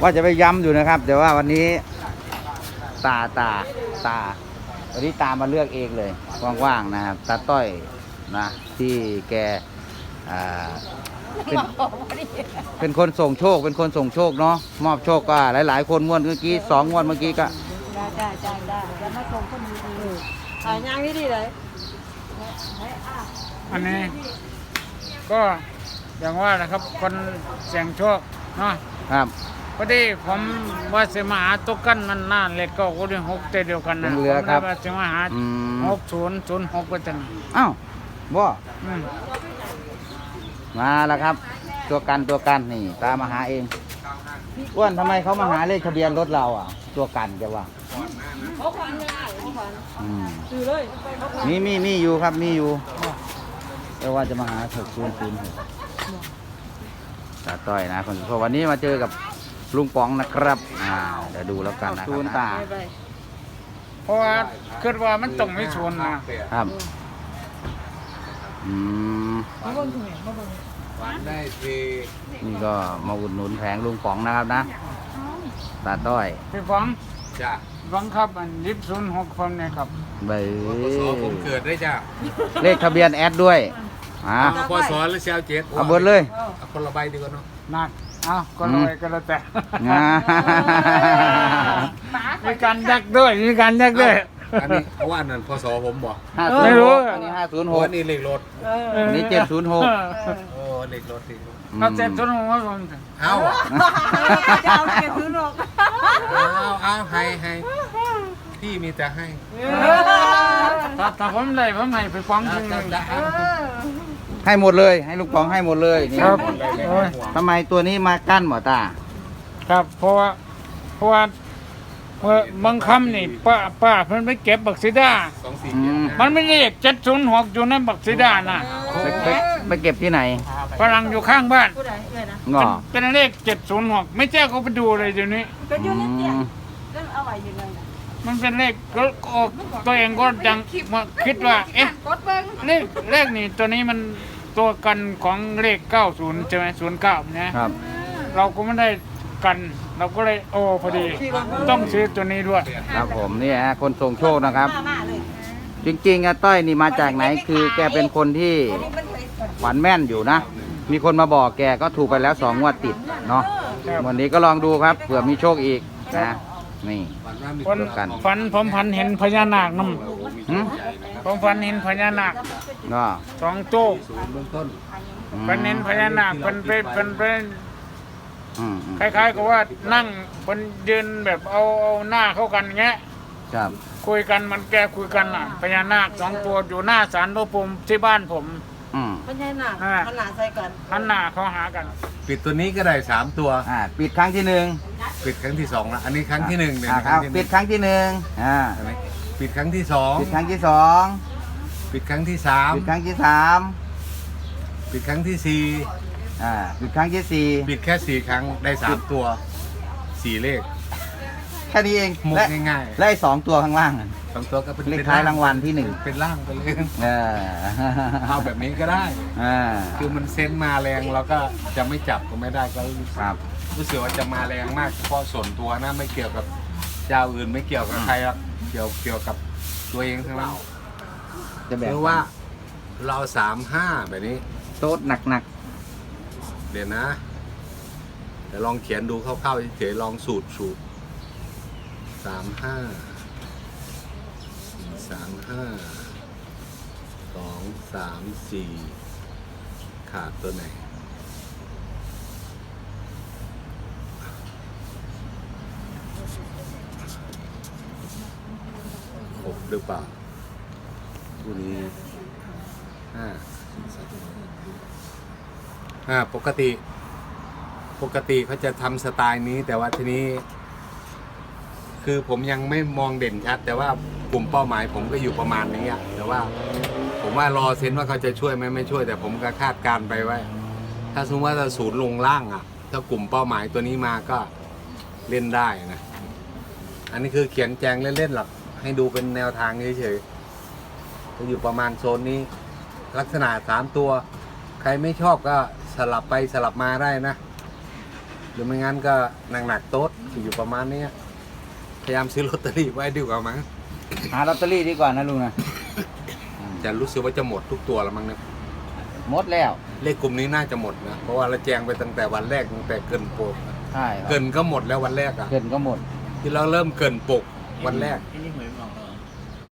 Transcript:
ว่าจะไปย้ำอยู่นะครับแต่ว่าวันนี้ตาวันนี้ตามาเลือกเองเลยว่างๆนะครับตาต้อยนะที่แกเป็นคนส่งโชคเป็นคนส่งโชคเนาะมอบโชคก็หลายๆคนงวดเมื่อกี้2 งวดเมื่อกี้ก็ได้จะมาส่งคนดีๆย่างดีเลยอันนี้ก็อย่างว่านะครับคนเสี่ยงโชคเนาะครับพอดีผมว่าจะมาหาตุกกันมันน่าเล็กก็คนที่6เดียวกันนะยังเหลือครับผมว่าจะมาหา6006ก็จะอ้าวบ่อืมมาแล้วครับ ตัวกันนี่ตามมาหาเองอ้วนทำไมเขามาหาเลขทะเบียนรถเราอ่ะ ตัวกันจะว่าเขาขวัญยังไงเขาขวัญอืมซื้อเลยมีอยู่ครับมีอยู่แต่ว่าจะมาหา600ตาต้อยนะคนเพราะวันนี้มาเจอกับลุงป๋องนะครับเดี๋ยวดูแล้วกันนะครับตาเพราะว่าคิดว่ามันต้องไม่ชนนะครับอืมมาเบิ่งถึงมาเบิ่งได้ทีนี่ก็มาอุดหนุนแผงลุงป๋องนะครับนะตาต้อยพี่ฟังจ้ะฟังครับอัน06ผมเนี่ยครับเบยพศผมเกิดได้จ้ะเลขทะเบียนแอดด้วยพศหรือเซลเจ็ดเอาเบิดเลยเอาคนละใบดีกว่าเนาะนั่นเอาก็ลอยก็แล้วแต่อ่ามีการยักด้วยมีการยักด้วยอันนี้เพราะว่าอันนั้นพศผมบอกไม่รู้อันนี้โอ้อันนี้เลขรถ 506อันนี้706 โอ้เลขรถเลขรถเอาเจ็ดชนหัวผมเอาจะเอาเก็บซื้อหรอกเอาให้พี่มีแต่ให้ถ้าผมได้ผมให้ไปฟังจริงให้หมดเลยให้ลุงป๋องให้หมดเลยนี่ครับโอ้ยทำไมตัวนี้มากั้นหมอตาครับเพราะว่าเมื่อบางคำนี่ป้าเพิ่นไปเก็บบักซิดา 247 มันไม่ได้เลข706อยู่ในบักซิดาน่ะไปเก็บที่ไหนฝรั่งอยู่ข้างบ้านผู้ใดเลยนะงอเป็นเลข706ไม่แจ้เขาไปดูเลยเดี๋ยวนี้ก็อยู่นั่นเนี่ยเรื่องเอาไว้ยังไงนะมันเป็นเลขก็ตัวเองก็ยังคิดว่าเอ๊ะกดเบิ่งเลขนี่ตัวนี้มันตัวกันของเลข90ใช่ไหม09นะครับ เราก็ไม่ได้กันเราก็เลยโอ้พอดีต้องซื้อตัวนี้ด้วยครับผมนี่ฮะคนส่งโชคนะครับมาเลยจริงๆอะต้อยนี่มาจากไหนคือแกเป็นคนที่ฝันแม่นอยู่นะ มีคนมาบอกแกก็ถูกไปแล้ว2 งวดติดเนาะครับวันนี้ก็ลองดูครับเผื่อมีโชคอีกนะนี่วันผมฝันเห็นพญานาคนหึำผมฝันเห็นพญานาคก็ 2ตัวเบื้องต้นฝันเห็นพญานาคเป็นอืมคล้ายๆกับว่านั่งคนยืนแบบเอาหน้าเข้ากันเงี้ยครับคุยกันมันแกคุยกันอ่ะพญานาค2ตัวอยู่หน้าศาลพระภูมิที่บ้านผมมันใช่หนักขนาดใส่กันหันหน้าเขาหากันปิดตัวนี้ก็ได้3ตัวปิดครั้งที่ปิดครั้งที่2แล้วอันนี้ครั้งที่1เนี่ยครับปิดครั้งที่ปิดครั้งที่ปิดครั้งที่ 2ปิดครั้งที่ปิดครั้งที่ 3ปิดครั้งที่4 ปิดครั้งที่ปิดแค่4ครั้งได้3ตัว4เลขแค่นี้เองมุกและง่ายและ2 ตัวข้างล่างๆ2ตัวก็เป็นเลขท้ายรางวัลที่เป็นล่างไปเลย 1เออเอาแบบนี้ก็ได้อ่าคือมันเซนต์มาแรงเราก็จะไม่จับก็ไม่ได้ก็ครับรู้สึกว่าจะมาแรงมากเฉพาะส่วนตัวนะไม่เกี่ยวกับเจ้าอื่นไม่เกี่ยวกับใครหรอกเกี่ยวกับตัวเองทั้งนั้นจะแบบหรือว่าเรา35แบบนี้โต๊ดหนักเดี๋ยวนะเดี๋ยวลองเขียนดูคร่าวๆเฉยๆลองสูตร35 2 3 4ขาดตัวไหนครบหรือเปล่าตัวนี้ปกติเขาจะทำสไตล์นี้แต่ว่าทีนี้ คือผมยังไม่มองเด่นชัด แต่ว่ากลุ่มเป้าหมายผมก็อยู่ประมาณนี้อะแต่ว่าผมว่ารอเซนว่าเขาจะช่วยไหมไม่ช่วยแต่ผมก็คาดการไปไว้ ถ้าสมมติว่าจะศูนย์ลงล่างอ่ะถ้ากลุ่มเป้าหมายตัวนี้มาก็เล่นได้นะอันนี้คือเขียนแจงเล่นๆหรอกให้ดูเป็นแนวทางเฉยๆจะอยู่ประมาณโซนนี้ ลักษณะ3ตัว ใครไม่ชอบก็สลับไปสลับมาได้นะหรือไม่งั้นก็หนักๆโต๊ดอยู่ประมาณนี้พยายามซื้อลอตเตอรี่ไว้ดีกว่ามั้งหาลอตเตอรี่ดีกว่านะลุงนะจะรู้สึกว่าจะหมดทุกตัวแล้วมั้งเนี่ยหมดแล้วเลขกลุ่มนี้น่าจะหมดนะเพราะว่าเราแจงไปตั้งแต่วันแรกตั้งแต่เกินปกใช่ครับเกินก็หมดแล้ววันแรกอ่ะเกินก็หมดที่เราเริ่มเกินปกวันแรกนี่หวยบอกเรา